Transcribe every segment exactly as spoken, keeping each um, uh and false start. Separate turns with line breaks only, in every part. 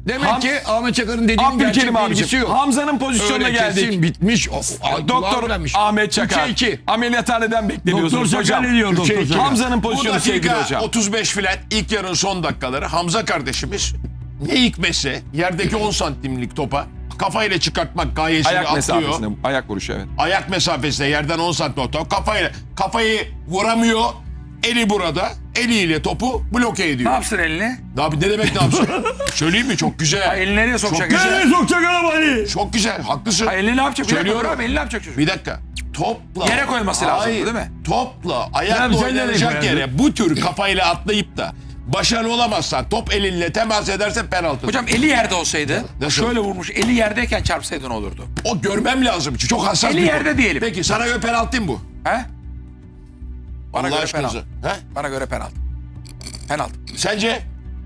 Demek
Ham-
ki Ahmet Çakar'ın dediğinin gerçek
Abdülkerim
bilgisi
abicim.
yok.
Hamza'nın pozisyonuna
Öyle
geldik.
kesin bitmiş. Of,
Doktor Ahmet Çakar.
üçe iki.
Ameliyathaneden bekleniyorsunuz
Doktor Çakar
hocam.
ne diyor
Üçe
Doktor
iki.
Çakar?
Hamza'nın
Bu
pozisyonu sevgili
dakika
hocam.
otuz beş filan ilk yarının son dakikaları Hamza kardeşimiz ne hikmetse yerdeki on santimlik topa kafayla çıkartmak gayesini
Ayak
atlıyor.
mesafesinde. Ayak vuruşu evet.
Ayak mesafesinde yerden on santim top kafayla kafayı vuramıyor. Eli burada. Eliyle topu bloke
Ne
ediyor.
yapsın elini?
Abi ne demek ne yapsın? Söyleyeyim mi? Çok güzel.
Ha, elini nereye sokacak?
Çok güzel.
Nereye sokacak arabayı?
Çok güzel. Haklısın.
Ha, elini ne yapacak? Bir dakika
Söylüyorum.
dur abi, elini ne yapacak çocuk?
Bir dakika. Topla.
Yere koyması lazım,
Hayır,
değil mi?
Topla
Abi
ayakla
sen nereye
oynanacak
koyardın?
yere bu tür kafayla atlayıp da başarılı olamazsan top elinle temas edersen penaltı.
Hocam eli yerde olsaydı,
Nasıl?
şöyle vurmuş, eli yerdeyken çarpsaydı ne olurdu?
O görmem lazım. Çok hassas
Eli
bir
yerde
konu.
diyelim.
Peki sana göre penaltı mı bu?
He? Bana
Allah
göre
aşkınıza.
penaltı.
He?
Bana göre penaltı. Penaltı.
Sence?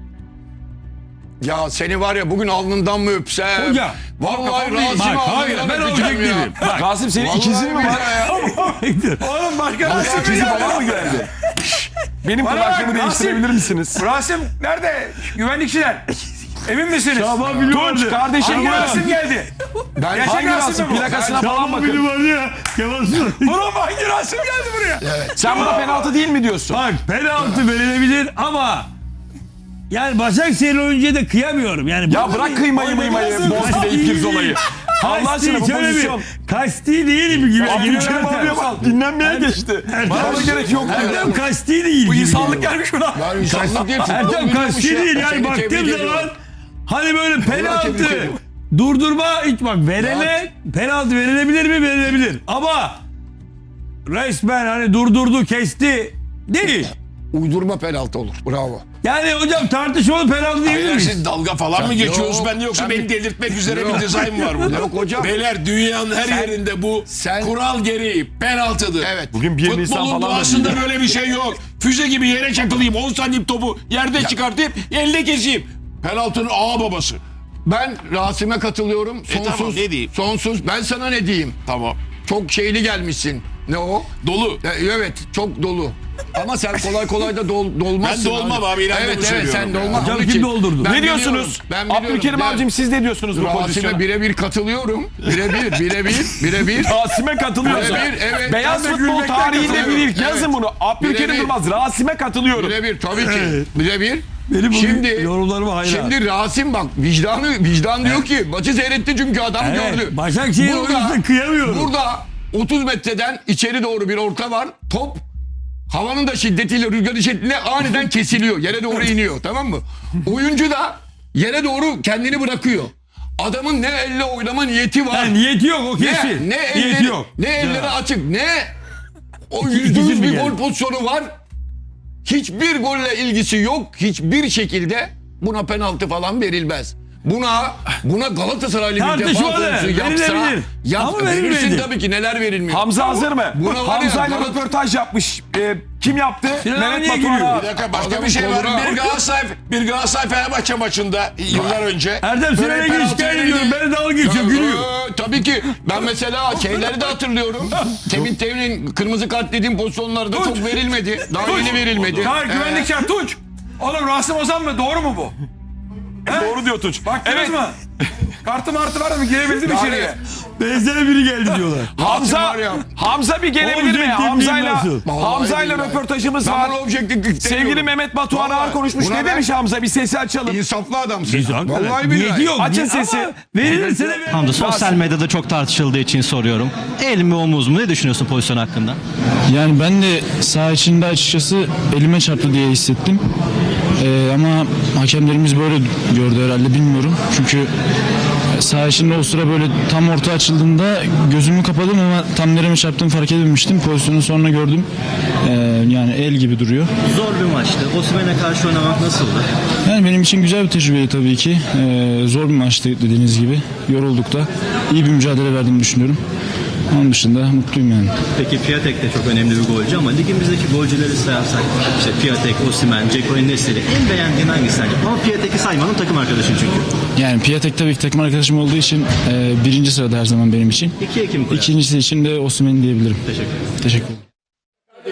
Ya seni var ya bugün alnından mı öpsem?
Hocam,
Vallahi Rasim
Bak hayır
alnından
ben
öpeceğim ya.
objektifim. Bak.
Rasim senin
Vallahi
ikizin mi var?
Oğlum başka Rasim
İkizi falan mı geldi? Benim
Bana
kulaklığımı
bak,
değiştirebilir
Rasim.
misiniz?
Rasim nerede? Güvenlikçiler. Emin misiniz?
Şaban Bülü vardı.
Tunç kardeşim
Hangi
buyurun.
Rasim geldi?
Ben
Gerçek
Hangi
Rasim
Rasim?
mi bu?
Plakasına falan
Şaban Bülü
bakın.
vardı ya. Kemal Sunal.
Oğlum hangi Rasim geldi buraya?
Sen buna penaltı değil mi diyorsun?
Bak penaltı verilebilir ama yani Başakşehir oyuncuya da kıyamıyorum. Yani
Ya bırak kıymayı mıymayı, Bozkır'da ilk Pirzolay'ı. Allah aşkına bu pozisyon.
Kasti değil mi gibi?
Abdülkerim abiye bak dinlenmeye geçti. Bana gerek yok.
Ertem kasti değil.
Bu
gibi
insanlık
geliyor.
gelmiş buna.
Yani insanlık değil. futbol
Ertem
biliyormuş
kasti
ya.
değil yani
Seni
baktığım
tebrik
zaman
ediyorum.
hani böyle
tebrik
penaltı
ediyorum.
durdurma hiç bak verene penaltı verilebilir mi verilebilir ama resmen hani durdurdu kesti değil.
Uydurma penaltı olur. Bravo.
Yani hocam tartışmalı penaltı diyebilir
Beyler
miyiz?
siz dalga falan mı geçiyorsunuz?
Yok,
Ben de yoksa
sen
beni
bir-
delirtmek üzere
Yok.
bir dizayn var burada.
Yok hocam.
Beyler dünyanın her
Sen-
yerinde bu
sen-
kural gereği penaltıdır.
Evet.
Bugün bir Nisan
Futbolun
falan da
doğasında
değil.
böyle bir şey yok. Füze gibi yere çakılayım, on santim topu yerde çıkartayım, elde keseyim. Penaltının ağa babası.
Ben Rasim'e katılıyorum.
E tamam,
Sonsuz.
ne diyeyim?
Sonsuz. Ben sana ne diyeyim?
Tamam.
Çok şeyli gelmişsin. Ne o?
Dolu.
E, Evet, çok dolu. Ama sen kolay kolay da dol, dolmazsın.
Ben dolmam abi, inan
Evet,
bunu
evet sen
söylüyorum ya.
dolma.
Hocam
Onun
kim
için
doldurdu?
ben
Ne
biliyorum,
diyorsunuz?
Ben biliyorum.
Abdülkerim
Ben
abicim siz ne diyorsunuz bu pozisyona?
Rasim'e birebir katılıyorum. Birebir, birebir, birebir.
Rasim'e katılıyorsun.
Birebir, evet.
Beyaz
Ben de
futbol
gülmekten
tarihinde bir
katılıyorum.
ilk. Yazın
Evet.
bunu. Abdülkerim
Birebir.
Durmaz. Rasim'e katılıyorum.
Birebir tabii ki. Birebir.
Benim bugün
Şimdi
yorumlarıma hayran.
Şimdi Rasim bak vicdanı vicdan diyor ki maçı seyretti çünkü adam
Evet,
gördü.
Başakşehir oyuncusuna kıyamıyorum.
Burada otuz metreden içeri doğru bir orta var. Top havanın da şiddetiyle rüzgarın şiddetiyle aniden kesiliyor. Yere doğru iniyor tamam mı? Oyuncu da yere doğru kendini bırakıyor. Adamın ne elle oynama niyeti var.
Ha, niyeti yok o
ne,
kesin.
ne
niyeti
elleri,
yok.
ne elleri
Ya.
açık ne o
İki-
yüzde
ikisi
yüz
mi
bir
geldi?
gol pozisyonu var. Hiçbir golle ilgisi yok. Hiçbir şekilde buna penaltı falan verilmez. Buna buna Galatasaraylı bir defa
Tartışmalı,
konusu yapsa
verilebilir.
yap,
Ama
verirsin
verilmedi.
tabii ki neler verilmiyor.
Hamza hazır mı?
Buna var ya,
Hamza'yla
Galat-
röportaj yapmış. Ee, kim yaptı?
Sinan
Mehmet
niye
Batuhan
gülüyor?
abi.
Bir dakika başka
Adamın
bir şey var.
koluna-
Bir Galatasaray, bir Galatasaray Fenerbahçe maçında yıllar önce.
Erdem
böyle
Sinan'a
penaltı
giriş şikayet
verildi.
ediyorum. Beni dalga geçiyor gülüyor.
Ee, tabii ki. Ben mesela şeyleri de hatırlıyorum. Temin Temin'in kırmızı kart dediğim pozisyonlarda çok verilmedi. Daha yeni verilmedi.
Çağır
Ee,
güvenlikçiler Tunç. Oğlum Rasim Ozan mı? Doğru mu bu?
Doğru diyor Tunç.
Baktınız
Evet.
mı? Kartı martı var mı? Girebildim
Yani-
içeriye.
Benzer biri geldi diyorlar.
Hamza,
var ya.
Hamza bir gelebilir mi?
Objektif
Hamza'yla
nasıl?
Hamza'yla
Vallahi
röportajımız
Ben
var.
buna objektiflik
Sevgili
demiyorum.
Mehmet Batuhan
Vallahi
ağır konuşmuş.
buna
Ne
ben-
demiş Hamza? Bir sesi açalım.
İnsaflı adamsın.
Biz hakikaten.
Vallahi
Niyeti
billahi.
yok.
Açın
Niye-
sesi.
ama verilirse de verir.
Hamza sosyal medyada çok tartışıldığı için soruyorum. El mi omuz mu? Ne düşünüyorsun pozisyon hakkında?
Yani ben de saha içinde açıkçası elime çarptı diye hissettim. Ee, ama hakemlerimiz böyle gördü herhalde bilmiyorum. Çünkü saha içinde o sıra böyle tam orta açıldığında gözümü kapadım ama tam nereme çarptığımı fark edememiştim. Pozisyonu sonra gördüm. Ee, yani el gibi duruyor.
Zor bir maçtı. Osimhen'e karşı oynamak nasıldı?
Yani benim için güzel bir tecrübeydi tabii ki. Ee, zor bir maçtı dediğiniz gibi. Yorulduk da. İyi bir mücadele verdiğimi düşünüyorum. Onun dışında mutluyum yani.
Peki Piatek de çok önemli bir golcü ama ligimizdeki golcüleri sayarsak işte Piatek, Osimhen, Dzeko, En-Nesyri en beğendiğin hangisi sence? Ama Piatek'i saymanın takım arkadaşın çünkü.
Yani Piatek tabii ki takım arkadaşım olduğu için e, birinci sırada her zaman benim için.
İki Ekim koyar.
İkincisi için de Osimhen diyebilirim.
Teşekkür ederim.
Teşekkür ederim.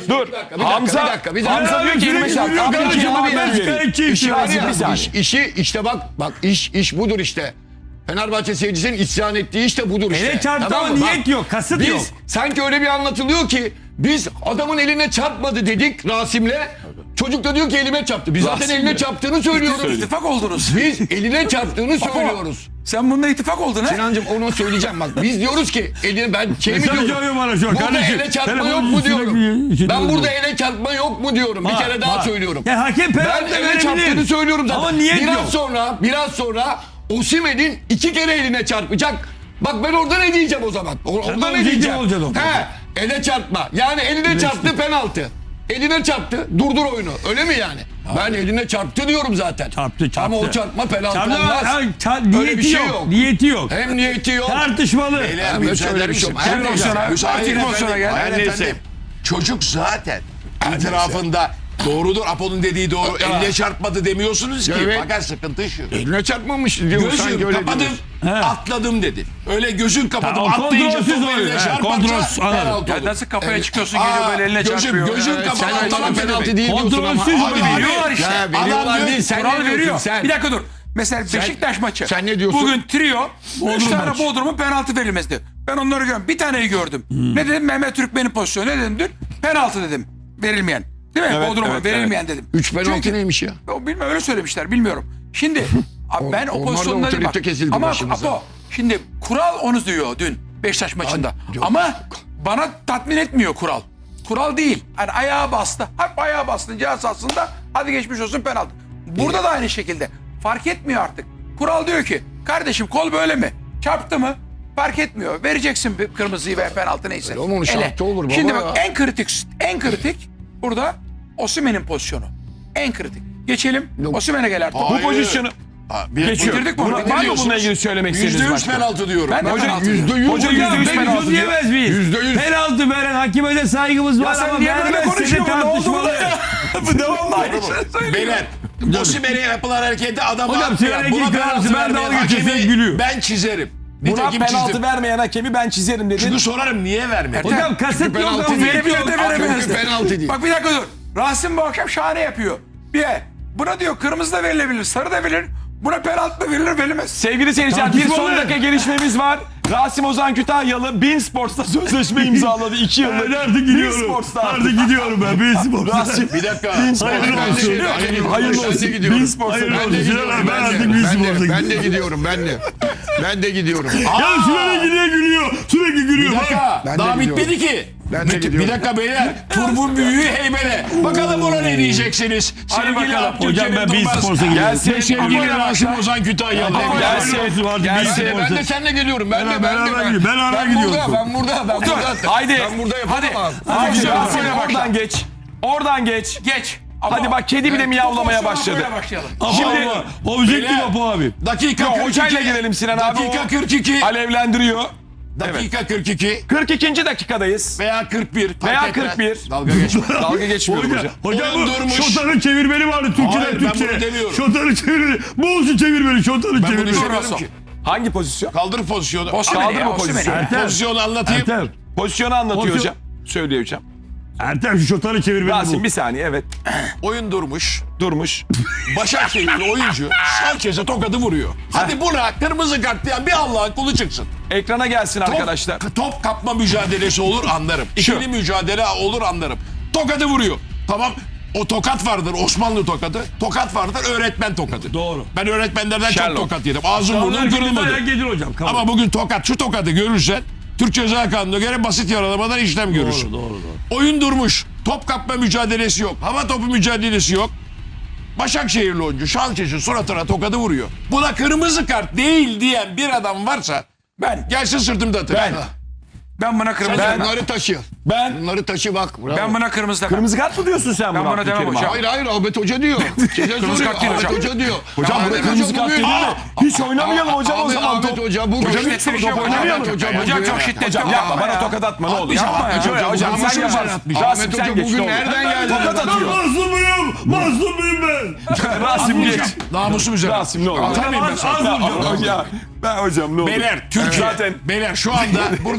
Dur.
Bir dakika, bir dakika,
Hamza,
bir dakika, bir dakika.
Hamza diyor ki elime çarptı. Abi
Kardeşim,
iki
abi,
ben
ben
vereyim.
şikayetçiyim.
İşi var ya,
Bir saniye.
iş, işi işte bak bak iş iş budur işte. Fenerbahçe seyircisinin isyan ettiği işte budur işte.
Ele çarptı
Tamam
ama
mı?
niyet
Bak,
yok, kasıt
biz
yok.
sanki öyle bir anlatılıyor ki biz adamın eline çarpmadı dedik Rasim'le. Çocuk da diyor ki elime çarptı. Biz zaten eline çarptığını söylüyoruz.
İttifak oldunuz.
Biz eline çarptığını söylüyoruz.
Sen bununla ittifak oldun ha?
Sinancığım onu söyleyeceğim bak. Biz diyoruz ki eline ben şey mi
Mesaj
diyorum?
yağıyor bana şu an
Burada
kardeşim.
ele çarpma
Telefonun
yok mu
üstüne
diyorum.
bir-
Ben burada ele çarpma yok mu diyorum. Bir
Var,
kere daha
var.
söylüyorum.
Ya hakem
Ben
penaltı
ele çarptığını
verebilir.
söylüyorum zaten.
Ama niyet
biraz
yok.
sonra, biraz sonra Osimhen'in iki kere eline çarpacak. Bak ben orada ne diyeceğim o zaman? O- Orada ne
objektif
diyeceğim?
olacaksın orada.
He, ele çarpma. Yani eline çarptı penaltı. Eline çarptı. Durdur oyunu. Öyle mi yani? Ben eline çarptı diyorum zaten.
Çarptı, çarptı.
Ama o çarpma penaltı
Çarptı ama
olmaz.
ha, ça-
Öyle
niyeti
bir şey
yok.
yok.
Niyeti yok.
Hem niyeti yok.
Tartışmalı.
Beyler
Ben
bir
böyle
müsaade
bir
misin?
şey yok.
Hayır
Hayır,
efendim,
hayır,
müsaade
hayır,
efendim.
hayır,
Hayır
neyse.
efendim. Çocuk zaten itirafında doğrudur. Apo'nun dediği doğru.
Ya.
Eline çarpmadı demiyorsunuz ki.
Evet.
Fakat sıkıntı şu.
Eline çarpmamış diyor. sanki
Gözüm
öyle
kapadım,
diyorsun.
atladım dedi. Öyle gözün kapadım,
Ha, o
atlayınca
kontrolsüz
top
oluyor.
eline
He,
çarparsa
kontrolsüz, anladım.
penaltı
Ya
olur.
nasıl kafaya
Evet.
çıkıyorsun geliyor
Aa,
böyle eline
gözüm,
çarpıyor.
gözüm
Evet,
kapalı,
sen-
atladım
Sana penaltı
demek.
değil diyorsun ama.
Kontrolsüz
Abi,
oluyor.
Veriyorlar işte.
Ya, veriyorlar
Adam
değil. Sen
Kural
ne diyorsun
veriyor.
sen?
Bir dakika dur. Mesela Beşiktaş maçı.
sen ne diyorsun?
Bugün trio. Üç tane
maç.
Bodrum'un penaltı verilmezdi. Ben onları görüyorum. Bir taneyi gördüm.
Hmm.
Ne dedim? Mehmet Türkmen'in pozisyonu. Ne dedim dün? Penaltı dedim. Verilmeyen. Değil mi?
Evet,
Bodrum'a
evet,
verilmeyen dedim.
Üç penaltı
Çünkü-
neymiş ya?
O bilmem öyle söylemişler bilmiyorum. Şimdi abi ben o
onlar da
pozisyonları bak.
otorite kesildi
Ama
başımıza.
Apo şimdi kural onu diyor dün Beşiktaş maçında.
Ay, yok.
Ama bana tatmin etmiyor kural. Kural değil. Hani ayağa bastı. Hep ayağa bastınca aslında hadi geçmiş olsun penaltı. Burada da aynı şekilde. Fark etmiyor artık. Kural diyor ki kardeşim kol böyle mi? Çarptı mı? Fark etmiyor. Vereceksin bir kırmızıyı ve penaltı neyse.
Öyle onun şartı olur baba
Şimdi
ya.
bak en kritik en kritik burada Osimhen'in pozisyonu. En kritik. Geçelim.
Yok.
Osimhen'e gel artık.
Bu
Hayır.
pozisyonu
Ha, bir-
geçiyor.
Bitirdik mi?
Buna-
Bitirdik
Var mı
diyorsunuz.
bununla ilgili söylemek
Yüzde
istediğiniz
yüz
başka?
penaltı diyorum.
Ben de
Hocam
penaltı
yüzde
diyorum.
yüz.
Hoca
hocam,
yüzde yüz
ben-
penaltı
Penaltı diyemez miyiz?
Yüzde yüz.
Penaltı veren hakime de saygımız var
sen
ama
niye böyle
vermezse de
konuşuyorsun? Ne oldu
tartışmalı.
burada? Bu devamlı aynı şey söylüyor.
Beyler, Osimhen'e yapılan harekette adam
Hocam,
attı
Sinan
ya.
Engin
Buna
kararı,
penaltı
ben
vermeyen
dalga geçiyorum,
hakemi
gülüyor.
ben çizerim.
Buna
Nitekim
penaltı
çizdim.
vermeyen hakemi ben çizerim dedi.
Çünkü sorarım niye vermedi?
Hocam kasıt yok
penaltı
ama
değil.
niyet
Verebilir
yok.
de veremez de.
penaltı değil.
Bak bir dakika dur. Rasim bu akşam şahane yapıyor. Bir buna diyor kırmızı da verilebilir, sarı da verilir. Buna penaltı mı verilir, verilmez.
Sevgili seyirciler bir
Tartışmalı.
son dakika gelişmemiz var. Rasim Ozan Kütahyalı Bein Sports'ta sözleşme imzaladı. iki yıllık.
Ben artık
Bein
gidiyorum.
Sports'ta
Artık gidiyorum ben. Bein Sports'ta.
Rasim.
Bir dakika.
Hayırlı
Ben de
olsun.
gidiyorum.
Hayırlı
Ben de
olsun.
gidiyorum.
Bein Sports'ta.
Hayırlı
Ben
olsun.
de gidiyorum.
Ben
Ben
artık
de,
Bein
ben de,
Sports'a
ben de
gidiyorum.
gidiyorum. Ben de. Ben de gidiyorum.
Ya sürekli gülüyor gülüyor. Sürekli gülüyor.
Bir dakika.
Ben de
Daha
gidiyorum.
bitmedi ki.
Ben de
Bir-
gidiyorum.
Bir dakika beyler. Turbun büyüğü heybele. Bakalım ona ne diyeceksiniz? Sevgili
bakalım.
Hocam ben Bein
Durmaz.
Sports'a gidiyorum.
Gelsin.
Sevgili Rasim Ozan Kütahyalı.
Gelsin. Gelsin.
Ben de seninle geliyorum. Ben de ben de.
beraber
Ben,
gidiyorum. Ben ara
ben
gidiyorum.
burada. Ben burada. Ben burada.
Haydi.
Ben burada yapamam.
Hadi
Hadi.
Rasim
Hadi.
oradan geç. Oradan geç.
Geç.
Hadi bak kedi bile miyavlamaya
Bu pozisyona
başladı.
böyle başlayalım.
Şimdi-
Şimdi objektif
Beyler.
Apo abi.
Dakika
Yo,
kırk iki.
hocayla girelim Sinan abi.
Dakika
O
kırk iki.
alevlendiriyor.
Dakika kırk iki.
kırk ikinci dakikadayız.
Veya kırk bir. fark
Veya
etmez.
kırk bir.
Dalga geçme.
Dalga geçmiyorum
Hocam,
hocam.
hocam
Oyun
bu
durmuş.
şotanın çevirmeni vardı Türkçeden
Hayır, ben
Türkçe.
bunu demiyorum.
Şotanın çevirmeni. Bu olsun çevirmeni. Şotanın
Ben bunu
çevirmeni.
istemiyorum ki.
Hangi pozisyon?
Kaldır pozisyonu.
Osimhen'i
Kaldır
ya,
mı
Osimhen'i.
pozisyonu?
Ertem.
Pozisyonu anlatayım.
Ertem.
Pozisyonu anlatıyor
Pozisyon-
hocam. Söylüyor hocam.
Ertem şu şotanın çevirmeni
Rasim
bu.
bir saniye evet.
Oyun durmuş.
Durmuş.
Başakşehirli oyuncu Sanchez'e tokadı vuruyor. Hadi buna kırmızı kart diyen bir Allah'ın kulu çıksın.
Ekrana gelsin
Top,
arkadaşlar.
top kapma mücadelesi olur anlarım. İkili mücadele olur anlarım. Tokadı vuruyor. Tamam. O tokat vardır Osmanlı tokadı. Tokat vardır öğretmen tokadı.
Doğru.
Ben öğretmenlerden
Sherlock.
çok tokat yedim. Ağzım burnum
Dayak
kırılmadı.
gelir hocam. Kabul.
Ama bugün tokat şu tokadı görürsen Türk Ceza Kanunu'na göre basit yaralamadan işlem görürsün.
Doğru doğru doğru.
Oyun durmuş. Top kapma mücadelesi yok. Hava topu mücadelesi yok. Başakşehirli oyuncu Şalçeş'in suratına tokadı vuruyor. Buna kırmızı kart değil diyen bir adam varsa
Ben.
gelsin sırtımda atın.
Ben.
Ben buna kırmızı
Sen
demem.
bunları taşı.
Ben
Bunları taşı bak. Bravo.
Ben buna kırmızı demem.
kırmızı kart mı diyorsun sen
Ben
buna?
buna demem
Abdülkerim
hocam.
abi?
Hayır hayır Ahmet Hoca diyor. Size soruyor.
kart değil
Ahmet
hocam.
Hoca diyor.
Hocam
Ahmet
burada
Hoca
kırmızı kart
bugün-
değil mi?
Aa,
Hiç oynamayalım hocam o
Ahmet-
zaman.
Ahmet
Top.
Hoca bugün.
Şiddetli bir şey
top
var.
oynamayalım.
Ahmet Hoca
Hocam
bugün-
çok şiddetli.
Hocam yapma bana tokat atma ne olur.
Yapma ya.
Şöyle hocam
Ahmet
sen
Hoca
yaparsın.
atmayacak.
Rasim
Ahmet
sen
Hoca
geç.
bugün
ne olur.
nereden geldi?
Tokat
Ben
atıyor.
mazlumuyum. Mazlumuyum ben.
Rasim geç.
Namusum üzerine.
Rasim ne olur.
Atamayayım ben
Az-
sana.
az vuracağım.
Ya, ben hocam ne olur.
Beyler Türkiye.
Zaten
Beyler şu anda burada bir kamera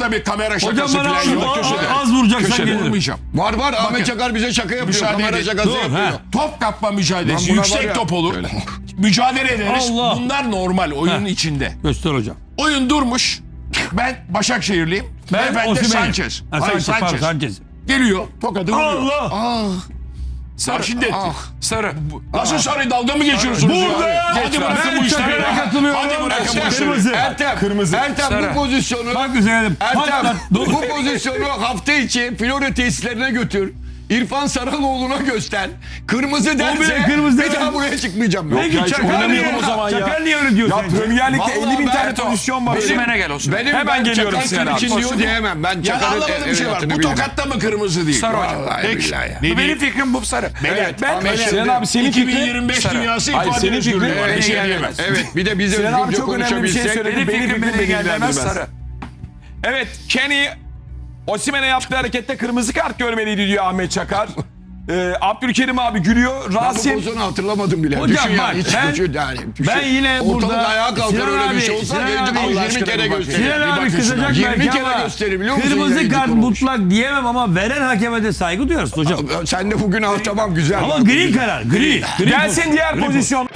kamera
Hocam
şakası
bana
falan
az,
yok.
az,
Köşede.
az vuracaksan
Köşede
gelirim.
vurmayacağım.
Var var Ahmet
Bakın,
Çakar bize şaka yapıyor.
müsaade
Kamera
edin.
şakası
Dur,
yapıyor.
ha.
Top kapma mücadelesi
Lan buna var
yüksek
ya.
top olur.
Öyle.
Mücadele ederiz.
Allah.
Bunlar normal oyunun
Ha.
içinde.
Göster hocam.
Oyun durmuş. Ben Başakşehirliyim.
Ben
Ben de
Osimhen'im.
Sanchez.
Ha,
Hayır,
Sanchez. pardon,
Sanchez.
Sanchez.
Geliyor. Tokadı vuruyor.
Allah.
Ah,
Sarı şiddet.
ah.
Sarı.
Nasıl sarı dalga mı geçiyorsunuz?
Burada
ya?
ya.
Hadi bırakın
Ben
bu işleri.
Çakır'a
ya.
katılıyorum.
Hadi bırakın bu işleri.
Kırmızı.
Ertem,
Kırmızı.
Ertem
Sarı.
bu pozisyonu
Bak güzel.
Ertem
Patlat. Dur.
bu pozisyonu hafta içi Florya tesislerine götür. İrfan Saraloğlu'na göster. Kırmızı derse
bile kırmızı
bir
demez.
daha buraya çıkmayacağım ben.
Peki
ya, hiç
Çakar niye,
oynamayalım o zaman ya.
Çakar niye öyle diyor
Ya
sence?
Premier Lig'de
Vallahi
elli bin tane
Berto,
pozisyon var.
Osimhen'e gel Osimhen.
Benim
Hemen
ben
geliyorum
Çakar
Sinan abi.
için diyor diyemem. Ben
Ya
Çakar'ın
anlamadığım bir şey var.
evlatını
Bu
bilirim.
tokatta mı kırmızı değil?
Sarı hocam.
Vallahi
Peki.
billahi ya.
Ne
Benim
diyeyim?
fikrim bu sarı.
Evet,
Ben
Ahmet
Sinan abi senin
iki bin
fikrin.
yirmi beş
Sarı.
dünyası
Hayır,
ifade
senin
özgürlüğü
fikrin-
var.
Evet,
Bir şey
evet,
diyemez.
evet, bir de bize
Sinan abi
özgürce
çok önemli bir şey
konuşabilsek.
söyledi.
benim
Benim
fikrim
fikrim
beni ilgilendirmez
ilgilendirmez.
sarı.
Evet, Kenny Osimhen'e yaptığı harekette kırmızı kart görmeliydi diyor Ahmet Çakar. Ee, Abdülkerim abi gülüyor.
Ben bu
Rasim
pozisyonu hatırlamadım bile.
Hocam
Düşün
bak,
yani, hiç
ben-
düşün yani. Düşün.
ben yine
Ortalık
burada
ayağa kalkar
Sinan
öyle bir
abi,
şey olsa
Sinan
gelecek
abi,
yirmi
aşkına
kere
bir bak.
gösterir.
Sinan
Bir
abi
bakın
kızacak
şuna.
belki
yirmi kere
ama
gösterir biliyor musun?
kırmızı
yayıncı
kart
kuruluş?
mutlak diyemem ama veren hakeme de saygı duyarız hocam.
Sen de bugün al tamam güzel.
Ama
Bak,
gri
güzel.
karar. Gri. gri
gelsin diğer pozisyon.